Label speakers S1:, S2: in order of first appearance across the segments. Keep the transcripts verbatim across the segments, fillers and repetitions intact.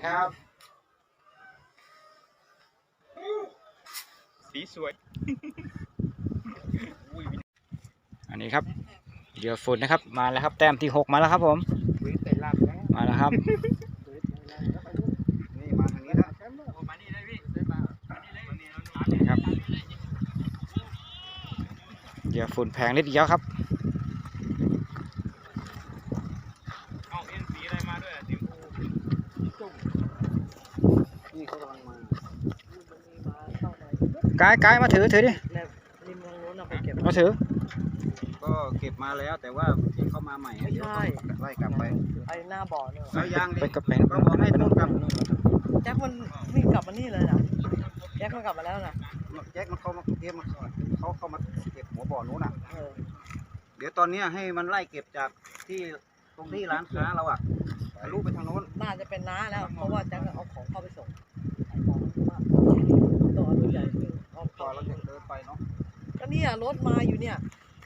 S1: ครับสีสวยอันนี้ครับเหยื่อฝุ่นนะครับมาแล้วครับแต้มที่หกมาแล้วครับผมมาแล้วครับ
S2: นี่มาทางนี้นะมานี่เลยพี่
S1: ครับเหยื่อฝุ่นแพงนิดเดียวครับ
S2: เอาเอ็นสีอะไรมาด้วยสีฟูนี่เขากำลังมากาย
S1: กายมาถือถือดิมาถือ
S2: ก็เก็บมาแล้วแต่ว่าที่เข้ามาใหม่เดี๋ยวไล่กลับไป
S3: ไอ้หน้าบ่อเนี่ย
S2: แล้วยางดิ
S1: ก็เป็น
S2: ก็บอกให้นู่นกลับ
S3: แจ็คมันวิ่งกลับมานี่เลยนะแจ็คมันกลับมาแล้วนะ
S2: แจ็คมันเข้ามาเก็บมาเขาเข้ามาเก็บหัวบ่อนู้นอ่ะเดี๋ยวตอนนี้ให้มันไล่เก็บจากที่ตรงที่ร้านค้าเราอ่ะทะลุไปทางโน้น
S3: น่าจะเป็นน้าแล้วเพราะว่าแจ็คเอาของเข้าไปส่งตัวรถใหญ่เอา
S2: พอเราจะเดินไปเนาะ
S3: ก็เนี่ยรถมาอยู่เนี่ย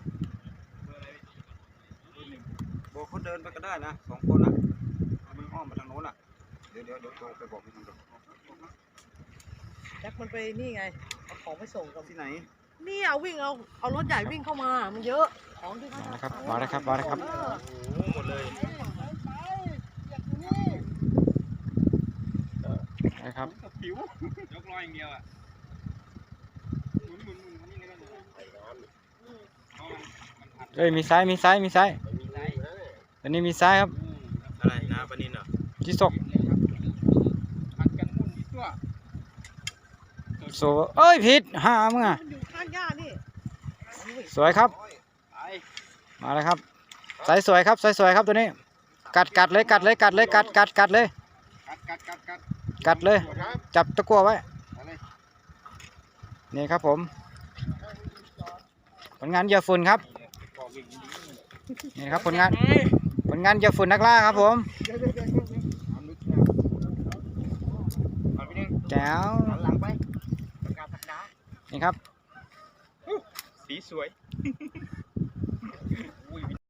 S2: โบเขาเดินไปก็ได้นะสองคนอ่ะมันอ้อมมาทางโน้นอ่ะเดี๋ยวเดี๋ยวเดี๋ยวโจไปบอกพี่ทางโน้น
S3: แจ็คมันไปนี่ไงเอาของไปส่งกับ
S2: ที่ไหน
S3: นี่เอาวิ่งเอาเอารถใหญ่วิ่งเข้ามามันเยอะของที่เขา
S1: ครับมาแล้วครับมาแล้วครับ
S2: หมดเลย
S1: นะครับ
S2: ผิวยกลอยอย่างเดียวอ่ะหมุนหมุนหมุนนี่ก็
S1: เอ้ยมีซ้ายมีซ้ายมีซ้ายอันนี้มีซ้ายครับ
S2: อะไรนะปนินเหรอ
S1: จิศก
S2: ผัดกันมุ่นที่ตัว
S1: โซเอ้ยผิดหามึงอ่ะ
S3: อยู่ข้างย่านี่
S1: สวยครับมาแล้วครับสายสวยครับสายสวยครับตัวนี้กัดกัดเลยกัดเลยกัดเลยกัดกัดกัดเลย
S2: กัดกัดกัดกัด
S1: กัดเลยจับตะกั่วไว้นี่ครับผมผลงานเหยื่อฝุ่นครับนี่ครับผลงานผลงานเหยื่อฝุ่นนักล่าครับผมแจ๋วนี่ครับ
S2: สีสวย